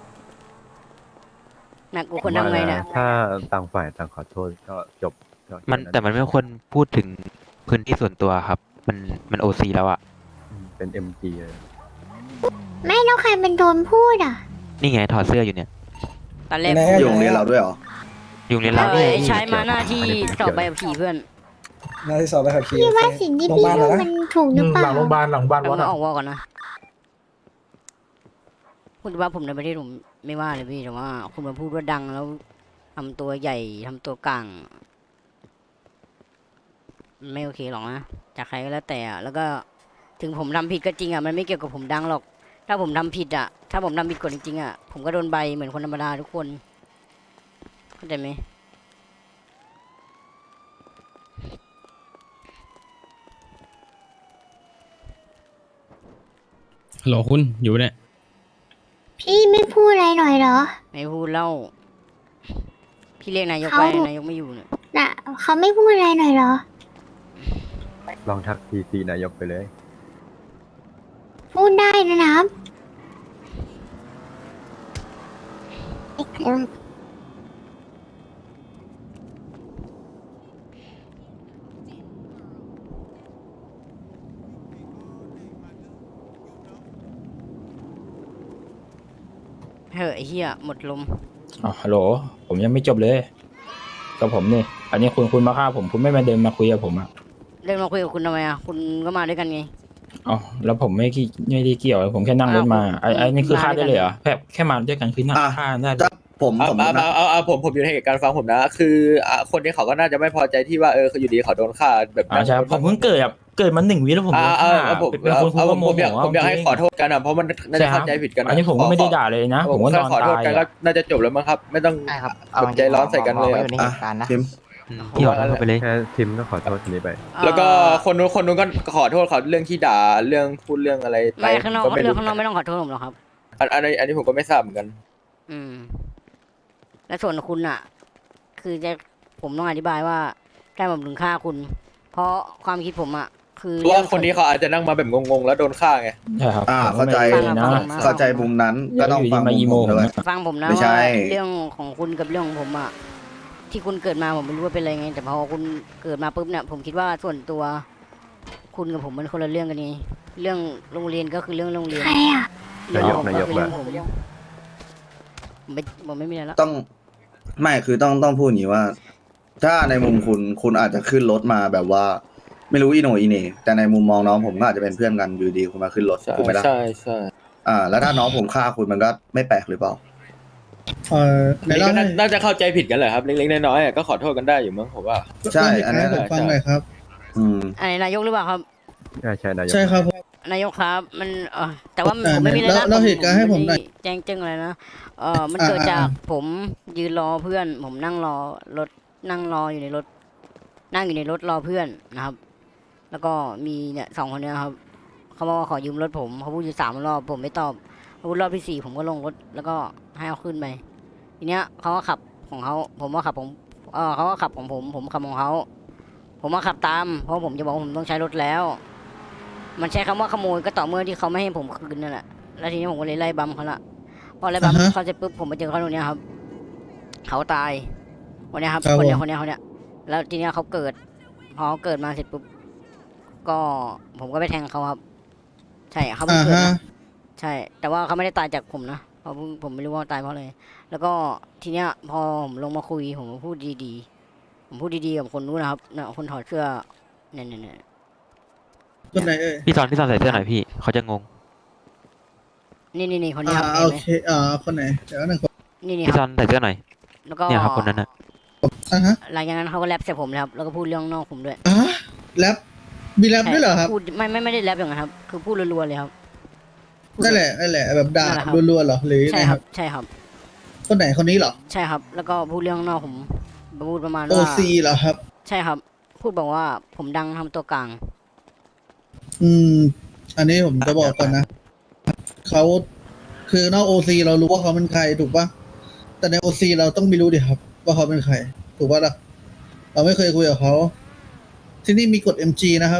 Speaker 3: หนักกูคนทำไงเนี่ย
Speaker 7: ถ้าต่างฝ่ายต่างขอโทษก็จบก็
Speaker 5: มันแต่มันไม่ควรพูดถึงพื้นที่ส่วนตัวครับ มันมันโอซีแล้วอะ
Speaker 7: อืมเป็น เอ็ม จี เลย
Speaker 10: ไม่แล้วใครเป็นโดนพูดอ่ะ
Speaker 5: นี่ไงถอดเสื้ออยู่เนี่ย
Speaker 3: ตอนแรก
Speaker 8: อยู่โรงเรียนเราด้วยเหรอ
Speaker 5: ยุงเรียน
Speaker 3: เอ
Speaker 5: เรา
Speaker 3: อ
Speaker 5: เนี่ย
Speaker 3: ไอ้ใช้มาหน้าที่สอบใบขับขี่เพื่อน
Speaker 8: น่าที่สอบไปขับขี่
Speaker 10: พี่ว่าสิ่งที่พี่พูดมันถูกหรือเป
Speaker 8: หลั
Speaker 10: ล่า
Speaker 8: งโรงพยาบาลหลังโรงพยาบาล
Speaker 3: เอา
Speaker 8: วัด
Speaker 3: มา
Speaker 8: อะ
Speaker 3: ออกวอก่อนนะคุณว่าผมในประเทศผมไม่ว่าเลยพี่แต่ว่า คุณมาพูดว่าดังแล้วทำตัวใหญ่ทำตัวกลางไม่โอเคหรอกนะจากใครก็แล้วแต่อะแล้วก็ถึงผมทำผิดก็จริงอ่ะมันไม่เกี่ยวกับผมดังหรอก ถ้าผมทำผิดอ่ะ ถ้าผมทำผิดกฎจริงๆอ่ะผมก็โดนใบเหมือนคนธรรมดาทุกคนเข้าใจไหม
Speaker 9: ฮัลโหลคุณอยู่เนี่ย
Speaker 10: พี่ไม่พูดอะไรหน่อยเหรอ
Speaker 3: ไม่พูดเล่า พี่เรียกนายก
Speaker 10: เขา
Speaker 3: ไปนายกไม่อยู่เนี่ย
Speaker 10: น่ะเขาไม่พูดอะไรหน่อยเหรอ
Speaker 7: ลองทักทีซีนายกไปเลย
Speaker 10: พูดได้นะครับเอ๊ะเดี๋ยว
Speaker 3: เฮ้ยไอ้เฮียหมดลม
Speaker 4: อ๋อฮัลโหล ผมยังไม่จบเลย กับผมนี่ อันนี้คุณคุณมาฆ่าผม คุณไม่มาเดินมาคุยกับผมอ่ะ
Speaker 3: เดินมาคุยกับคุณทำไมอ่ะคุณก็มาด้วยกันไง
Speaker 4: อ๋อแล้วผมไม่กี่ไม่ได้เกี่ยว ผมแค่นั่งรถมา ไอ้ไอ้นี่คือฆ่าได้เลยเหรอแค่แค่มาด้วยกันคือนั่ง
Speaker 8: อ่ะ
Speaker 4: ฆ่าได้เลย
Speaker 8: ถ้าผมสมมตินะ
Speaker 2: เอาเอาเอาผมผมอยู่ในเหตุการณ์ฟังผมนะ คืออ่ะคนนี้เขาก็น่าจะไม่พอใจที่ว่าเออเขาอยู่ดีเขาโดนฆ่าแบบ
Speaker 4: อ่าใช่ครับผมเพิ่งเกิดแบบเกิดมาหนึ่งวิแล้วผมโด
Speaker 2: อ่าน เอา
Speaker 4: ฆ่า
Speaker 2: เอาผม
Speaker 4: เป็นคนคุ
Speaker 2: เอา
Speaker 4: ณ
Speaker 2: ผ
Speaker 4: ก็
Speaker 2: ม
Speaker 4: โม
Speaker 2: ผม
Speaker 4: โห
Speaker 2: อยากผมอยากให้ขอโทษกันอ่ะเพราะมันน่าจะเข้าใจผิดกัน
Speaker 4: อันนี้ผมก็ไม่ได้ด่าเลยนะ ผมก็นอน
Speaker 2: ขอโทษ
Speaker 4: ตาย
Speaker 2: กันก็
Speaker 4: อะ
Speaker 2: น่าจะจบแล้วมั้งครับ ไม่ต้องแบบใจร้อนใส่กันเลย
Speaker 8: อ่ะทีม
Speaker 5: อืมพี่ขอโทษเขาไปเลย
Speaker 7: แค่ทิมก็ขอโทษคนนี้ไป
Speaker 2: แล้วก็คนนู้นคนนู้นก็ขอโทษเขาเรื่องที่ด่าเรื่องพูดเรื่องอะไรไป
Speaker 3: ไม่ข้างนอก
Speaker 2: ก็ไม่
Speaker 3: เรื่อ
Speaker 2: รู้
Speaker 3: งข้างนอกไม่ต้องขอโทษผมหรอกครับ
Speaker 2: อันอันนี้อันนี้ผมก็ไม่ทราบเหมือนกัน
Speaker 3: อืม และส่วนคุณอ่ะ คือจะผมต้องอธิบายว่าแค่ผมถึงฆ่าคุณ เพราะความคิดผมอ่ะ คือ
Speaker 2: เพราะว่าคนนี้เขาอาจจะนั่งมาแบบงงๆแล้วโดนฆ่าไง
Speaker 4: ใช่ครับ
Speaker 11: อ่าเข้าใจ
Speaker 4: ผมก็ไม่ได้นะ
Speaker 11: เข้าใจมุมนั้นก็ต้อง
Speaker 4: อยู่
Speaker 11: ฟั
Speaker 4: ดี
Speaker 11: ง
Speaker 4: มา
Speaker 11: มุ
Speaker 4: อี
Speaker 11: ม
Speaker 4: โม
Speaker 11: ผม
Speaker 4: ผม
Speaker 11: ด้วย
Speaker 4: นะ
Speaker 3: ฟังผมนะ
Speaker 11: ไม่ใช่
Speaker 3: ว่าเรื่องของคุณกับเรื่องของผมอ่ะที่คุณเกิดมาผมไม่รู้ว่าเป็นอะไรไง แต่พอคุณเกิดมาปุ๊บเนี่ยผมคิดว่าส่วนตัว คุณกับผมมันคนละเรื่องกันนี่เรื่องโรงเรียนก็คือเรื่องโรงเรียน
Speaker 10: ใครอ่ะ
Speaker 3: เรื่องของผม
Speaker 7: นายก
Speaker 3: คือเรื่อง
Speaker 7: นายก
Speaker 3: ผมผมไม่ผมไม่มีอะไรละ
Speaker 11: ต้องไม่คือต้องต้องพูดอย่างนี้ว่า ถ้าในมุมคุณคุณอาจจะขึ้นรถมาแบบว่า ไม่รู้อีโหนอีเหน่แต่ในมุมมองน้องผมก็อาจจะเป็นเพื่อนกันอยู่ดีคุณมาขึ้นรถ
Speaker 2: ใช่
Speaker 11: ถูกไหมล่ะ
Speaker 2: ใช่ใช่
Speaker 11: อ่า แล้วถ้าน้องผมฆ่าคุณมันก็ไม่แปลกหรือเปล่า
Speaker 8: เออใน
Speaker 2: นี่
Speaker 8: เล่า
Speaker 2: ก็
Speaker 8: ให้
Speaker 2: น่าน่าจะเข้าใจผิดกันแหละครับเล็กๆน้อยๆอ่ะก็ขอโทษกันได้อยู่มั้งผมว่า
Speaker 11: ใช่อันนั้น
Speaker 8: เล่าให้ผมฟังหน่อยครับ
Speaker 11: อืม
Speaker 3: อันนี้นายกหรือเปล่าครับ
Speaker 7: ใช่ใช่นายก
Speaker 8: ใช่ครับ
Speaker 3: นายกครับ มันเออแต่ว่า
Speaker 8: เอ่อ
Speaker 3: ผมไม่มีอะไร
Speaker 8: เล่า
Speaker 3: นะ
Speaker 8: เล่าเหตุการณ์ให้ผมหน่อย
Speaker 3: ไได้แจ้งแจ้งอะไรนะเออมัน
Speaker 8: อ่า
Speaker 3: เกิดจาก
Speaker 8: อ่า
Speaker 3: ผมยืนรอเพื่อน ผมนั่งรอรถนั่งรออยู่ในรถ นั่งอยู่ในรถรอเพื่อนนะครับ แล้วก็มีเนี่ยสองคนเนี้ยครับเขาบอกว่าขอยืมรถผมเขาพูดอยู่สามรอบผมไม่ตอบเขาพูดรอบที่สี่ผมก็ลงรถแล้วก็ให้เอาขึ้นไปทีเนี้ยเขาก็ขับของเขาผมว่าขับผมเออเขาก็ขับของผม ผมขับของเขาผมมาขับตาม เพราะผมจะบอกว่าผมต้องใช้รถแล้ว มันใช้คำว่าขโมยก็ต่อเมื่อที่เขาไม่ให้ผมคืนนั่นแหละแล้วทีนี้ผมก็เลยไล่บัมเขาละพอไล่บัม
Speaker 8: อ่าฮะ
Speaker 3: เขาเสร็จปุ๊บผมไปเจอเขาตรงเนี้ยครับเขาตายคนเนี้ยครับ
Speaker 8: ครับ
Speaker 3: คนเนี้ย
Speaker 8: ผม
Speaker 3: คนเนี้ยคนเนี้ยแล้วทีเนี้ยเขาเกิด พอเขาเกิดมาเสร็จปุ๊บก็ผมก็ไปแทงเขาครับ ใช่เขาเพิ่ง
Speaker 8: อ่า
Speaker 3: เกิด
Speaker 8: ฮะ
Speaker 3: มาใช่ แต่ว่าเขาไม่ได้ตายจากผมนะเพราะผมไม่รู้ว่าตายเพราะอะไรแล้วก็ทีเนี้ยพอผมลงมาคุยผมก็พูดดีๆผมพูดดีๆกับคนนู้นนะครับน่ะคนถอดเสื้อเนี่ยเนี่ยเนี่ย
Speaker 8: คนไหนเอ่ย
Speaker 5: พี่ซอนพี่ซอนใส่เสื้อหน่อยพี่เขาจะงง
Speaker 3: นี่นี่นี่คนนี้
Speaker 8: อ่า
Speaker 3: ครับ
Speaker 8: โอ
Speaker 3: เห็นไหม
Speaker 8: เคอ่าคนไหนเดี๋ยวหนึ่งคน
Speaker 3: นี่นี่
Speaker 5: พี่
Speaker 3: ค
Speaker 5: ซ
Speaker 3: รั
Speaker 5: อบ นใส่เสื้อหน่อย
Speaker 3: แล้วก็
Speaker 5: เนี่ยครับคนนั้นน่ะ
Speaker 8: อ่าฮะ
Speaker 3: หลังจากนั้นเขาก็แรปใส่ผมเลยครับแล้วก็พูดเรื่องนอกผมด้วย
Speaker 8: อ่าแรปมีแรปด้วยเหรอครับ
Speaker 3: พูดไม่ไม่ไม่ได้แรปอย่างนั้นครับ คือพูดรัวๆเลยครับ
Speaker 8: นั่นแหละนั่นแหละแบบด่า
Speaker 3: นั่นแหละครับ
Speaker 8: รัวๆเหรอหรือ
Speaker 3: ใช่
Speaker 8: ไง
Speaker 3: ค
Speaker 8: ค
Speaker 3: รั
Speaker 8: รั
Speaker 3: บบ ใช่ครับ
Speaker 8: คนไหนคนนี้เหรอ
Speaker 3: ใช่ครับ แล้วก็พูดเรื่องนอกผมพูดประมาณ
Speaker 8: โอ
Speaker 3: ว่า
Speaker 8: ซีเหรอครับ
Speaker 3: ใช่ครับ พูดบอกว่าผมดังทำตัวกลาง
Speaker 8: อืม อันนี้ผมจะบอกก่อนนะเขาคือนอกโอซีเรารู้ว่าเขาเป็นใครถูกปะแต่ในโอซีเราต้องไม่รู้ดิครับ ว่าเขาเป็นใคร ถูกปะล่ะเราไม่เคยคุยกับเขาที่นี่มีกฎ เอ็ม จี นะครับ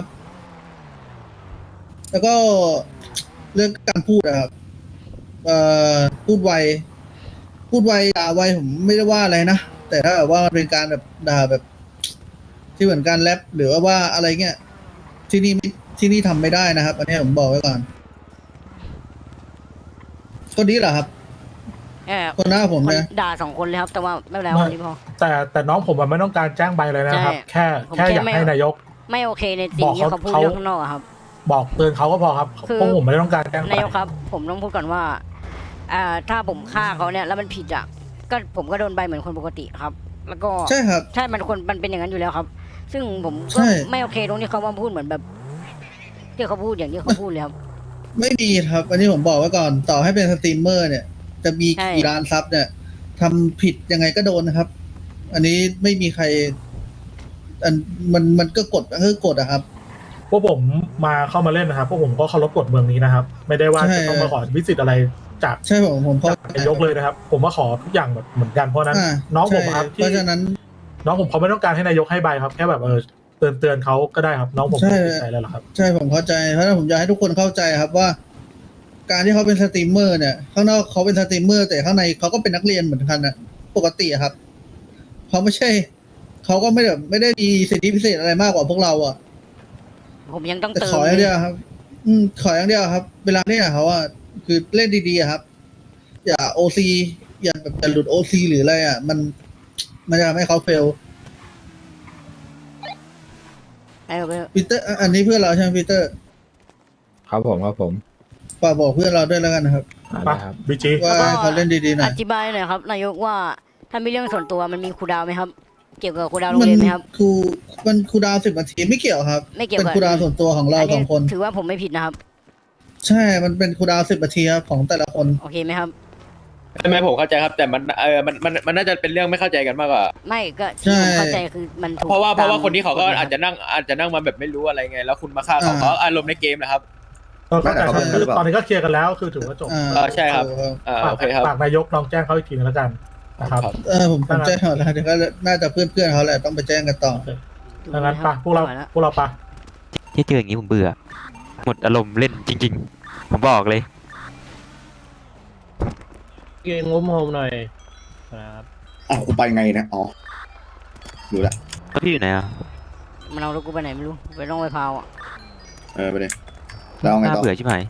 Speaker 8: แล้วก็เรื่องการพูดนะครับเอ่อพูดไว พูดไวด่าไวผมไม่ได้ว่าอะไรนะ แต่ถ้าแบบว่ามันเป็นการแบบด่าแบบ ที่เหมือนการแรปหรือว่าว่าอะไรเงี้ยที่นี่ไม่ที่นี่ทำไม่ได้นะครับ อันนี้ผมบอกไว้ก่อนคนนี้เหรอครับ
Speaker 3: เออ
Speaker 8: คนหน้าผม
Speaker 3: คน
Speaker 8: นะ
Speaker 3: ด่าสองคนเลยครับ แต่ว่าไม่เป็นไร
Speaker 8: ไม่
Speaker 3: คนนี้พอ
Speaker 8: แต่แต่น้องผมมันไม่ต้องการแจ้งใบเลยนะครับ
Speaker 3: ใช่
Speaker 8: แค่
Speaker 3: ผม
Speaker 8: แค่
Speaker 3: แค่
Speaker 8: อยาก
Speaker 3: ไม่
Speaker 8: ให้นายก
Speaker 3: ไม่โอเคในสิ่งที่
Speaker 8: บอก
Speaker 3: เขา
Speaker 8: เขา
Speaker 3: พูด
Speaker 8: เขา
Speaker 3: เรื่องข้างนอกอะครับ
Speaker 8: บอกเตือนเขาก็พอครับ
Speaker 3: คือ
Speaker 8: พวกผมไม่ได้ต้องการแจ้งใบ
Speaker 3: นายกครับ ผมต้องพูดก่อนว่าอ่าถ้าผมฆ่าเขาเนี่ยแล้วมันผิดอ่ะก็ผมก็โดนใบเหมือนคนปกติครับ แล้วก็
Speaker 8: ใช่ครับ
Speaker 3: ใช่มันคนมันเป็นอย่างนั้นอยู่แล้วครับ ซึ่งผม
Speaker 8: ใช่
Speaker 3: ก็ไม่โอเคตรงที่เขามาพูดเหมือนแบบ ที่เขาพูดอย่างที่เขาพูดเลยครับ
Speaker 8: ไม่ดีครับ อันนี้ผมบอกไว้ก่อน ต่อให้เป็นสตรีมเมอร์เนี่ย จะมี
Speaker 3: ใช่
Speaker 8: กี่ล้านซับเนี่ยทำผิดยังไงก็โดนนะครับ อันนี้ไม่มีใคร อันมันมันก็กฎก็คือกฎอะครับ
Speaker 12: พวกผมมาเข้ามาเล่นนะครับพวกผมก็เคารพกฎเมืองนี้นะครับ ไม่ได้ว่า
Speaker 8: ใช่
Speaker 12: จะต้องมาขอวิสิตอะไรจาก
Speaker 8: ใช่ผมผมเข้า
Speaker 12: จากนายกเลยนะครับ ผมมาขอทุกอย่างแบบเหมือนกันเพราะฉะนั้น
Speaker 8: อ่า
Speaker 12: น้องผม
Speaker 8: ใช่
Speaker 12: ครับ
Speaker 8: เพ
Speaker 12: ที่
Speaker 8: ราะฉะนั้น
Speaker 12: น้องผมเขาไม่ต้องการให้นายกให้ใบครับแค่แบบเออเตือนเตือนเขาก็ได้ครับ น้องผม
Speaker 8: ใช่
Speaker 12: ไม่ติดใจอะไรหรอกครับ
Speaker 8: ใช่ผมเข้าใจ เพราะฉะนั้นผมอยากให้ทุกคนเข้าใจครับว่า การที่เขาเป็นสตรีมเมอร์เนี่ย ข้างนอกเขาเป็นสตรีมเมอร์แต่ข้างในเขาก็เป็นนักเรียนเหมือนกันนะปกติอะครับเขาไม่ใช่เขาก็ไม่แบบไม่ได้มีสิทธิพิเศษอะไรมากกว่าพวกเราอะ
Speaker 3: ผมยังต้อง
Speaker 8: แต่
Speaker 3: เติม
Speaker 8: ขออย่างเดียวครับ อืมขออย่างเดียวครับ เวลาเล่นกับเขาอะคือเล่นดีๆอะครับ อย่าโอซีอย่าแบบอย่าหลุดโอซีหรืออะไรอะมัน มันจะทำให้เขาเฟล
Speaker 3: ไอ้เว้ย
Speaker 8: ปีเตอร์อันนี้เพื่อนเราใช่ไหมปีเตอร์
Speaker 4: ครับผมครับผม
Speaker 8: ฝากบอกเพื่อนเราด้วยแล้วกันนะครับ
Speaker 4: อ่า
Speaker 12: ไป
Speaker 4: ได้ครับ
Speaker 12: บีจี
Speaker 8: ว่าให้เขาเล่นดีๆหน่
Speaker 3: อ
Speaker 8: อย
Speaker 3: ธิบายหน่อยครับนายกว่าถ้ามีเรื่องส่วนตัวมันมีครูดาวไหมครับ เกี่ยวกับครูดาวโรง
Speaker 8: มัน
Speaker 3: เรียนไหมครับ
Speaker 8: ครูมันครูดาวสิบนาทีไม่เกี่ยวครับ
Speaker 3: ไม่เกี่ยว
Speaker 8: เป็น
Speaker 3: กับ
Speaker 8: ครูดาวส่วนตัวของเรา
Speaker 3: อัน
Speaker 8: ส
Speaker 3: นี้
Speaker 8: องคน
Speaker 3: ถือว่าผมไม่ผิดนะครับ
Speaker 8: ใช่ มันเป็นครูดาวสิบนาทีครับของแต่ละคน
Speaker 3: โอเคไหมครับ
Speaker 2: ใช่ไหมผมเข้าใจครับ แต่มันเออมันมันมันน่าจะเป็นเรื่องไม่เข้าใจกันมากกว่า
Speaker 3: ไม่ก็ที่ผมเข้าใจคือมันถูก
Speaker 2: เพราะว่าเพราะว่า
Speaker 3: ตม
Speaker 2: คนที่เขาก็
Speaker 3: ฎหมย
Speaker 2: อาจจะนั่งอาจจะนั่งมาแบบไม่รู้อะไรไง แล้วคุณมาฆ่าเขาเขาอารมณ์ในเกมนะครับ
Speaker 12: ก็เข้าใจ
Speaker 11: ไม่แต่เขาเป็น
Speaker 12: คือ
Speaker 11: หรือเปล่า
Speaker 12: ตอนนี้ก็เคลียร์กันแล้วคือถือว่าจบ
Speaker 8: อ่า
Speaker 2: เออใช่ครับ อ่า
Speaker 12: ฝาก
Speaker 2: โอเคครับ
Speaker 12: ฝากนายกลองแจ้งเขาอีกทีนึงแล้วกันนะครับ
Speaker 8: เออผมผมแจ้งเขาแล้วเดี๋ยวก็น่าจะเพื่อนเพื่อนๆเขาแหละต้องไปแจ้งกันต่อ
Speaker 12: ดังนั้นไปพวกเรา
Speaker 3: ไม่ไหแล้ว
Speaker 12: พวกเราไป
Speaker 5: ที่เจออย่างนี้ผมเบื่อ หมดอารมณ์เล่นจริง ๆ ผมบอกเลย
Speaker 9: เก่งงมโฮมหน่อยครับ
Speaker 11: อ้าวกูไปไงเนี่ยอ๋อดูละ
Speaker 5: แล้วพี่อยู่ไหนอ่ะ
Speaker 3: มันเอารถกูไปไหนไม่รู้ไปร่องไปพาวอ่ะ
Speaker 11: เออไปเลยแล้วเอาไง
Speaker 5: น่า
Speaker 11: ต่อ
Speaker 5: เบื่อใช่ไหม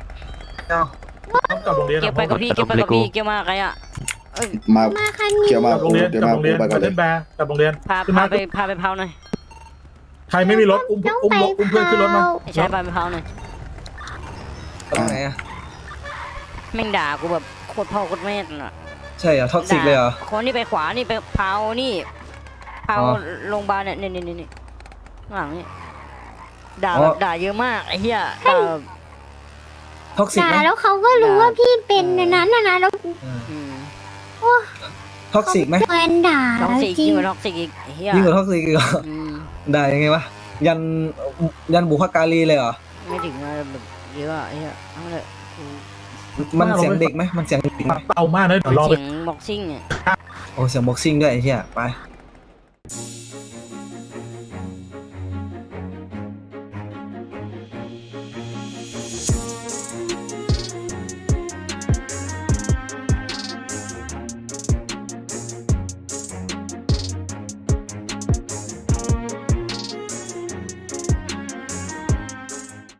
Speaker 12: ต้องกลับโรงเรียน
Speaker 3: เก็บไปกับพี่เก็บไปกับพี่เก็บมาใครอ่ะเอ้ย
Speaker 11: มา
Speaker 10: มาคัน
Speaker 11: เกี่
Speaker 10: นี้
Speaker 11: ยวมาก
Speaker 12: ลับโรงเรียน
Speaker 11: เดี๋ยว
Speaker 12: กลับ
Speaker 11: มา
Speaker 12: โรงเรียน
Speaker 11: ไปก่อน
Speaker 12: ไป
Speaker 11: เล
Speaker 12: เล่
Speaker 11: ย
Speaker 12: นแบร์กลับโรงเรียน
Speaker 3: พา
Speaker 12: ขึ้น
Speaker 3: พา
Speaker 12: มา
Speaker 3: ไปพาไปพาวหน่อย
Speaker 12: ใครไม่มีรถอุ้มอุ้มรถอุ้มเพื่อนขึ้นรถมา
Speaker 3: ไอ้ชายพาไปพาวหน่อย
Speaker 11: ไหนอะ
Speaker 3: แม่งด่ากูแบบโคตรพ่อโคตรแม่น่ะ
Speaker 13: ใช่เหรอท็อกซิกเลยเหรอ
Speaker 3: คนนี่ไปขวานี่ไปพาวนี่พาว
Speaker 13: อ๋อ
Speaker 3: โรงพยาบาลเนี่ยนี่นี่นี่นี่ข้างหลังนี่ด่า
Speaker 13: อ๋อ
Speaker 3: แบบด่าเยอะมากไอ้เหี้ยด่าแบบ
Speaker 13: ท็อกซิก
Speaker 10: ด่า
Speaker 13: ไหม
Speaker 10: แล้วเขาก็รู้ว่าพี่เป็นในนั้นนะนะแล้ว
Speaker 3: อืม
Speaker 13: ท็อกซิกไหม
Speaker 10: แฟนด่า
Speaker 3: ท็อกซิก
Speaker 10: จริ
Speaker 3: ยิ่
Speaker 10: ง
Speaker 3: งกว่าท็อกซิกอีกไอ้เหี้ย
Speaker 13: ยิ่งกว่าท็อกซิกอีกเหรอ
Speaker 3: อืม
Speaker 13: ได้ยังไงวะยันยันบุพการีเลยเหรอ
Speaker 3: ไม่ถึงอะแบบเยอะอะไอ้เหี้ยเอาเลย
Speaker 13: มันเสียงเด็กไหมมันเสียงเด็กไหม
Speaker 12: เบามากนะเดี๋ยวรอไป
Speaker 3: เสียงบ็อกซิ่งอ่ะ
Speaker 13: โอ้เสียงบ็อกซิ่งด้วยไอ้เหี้ยไป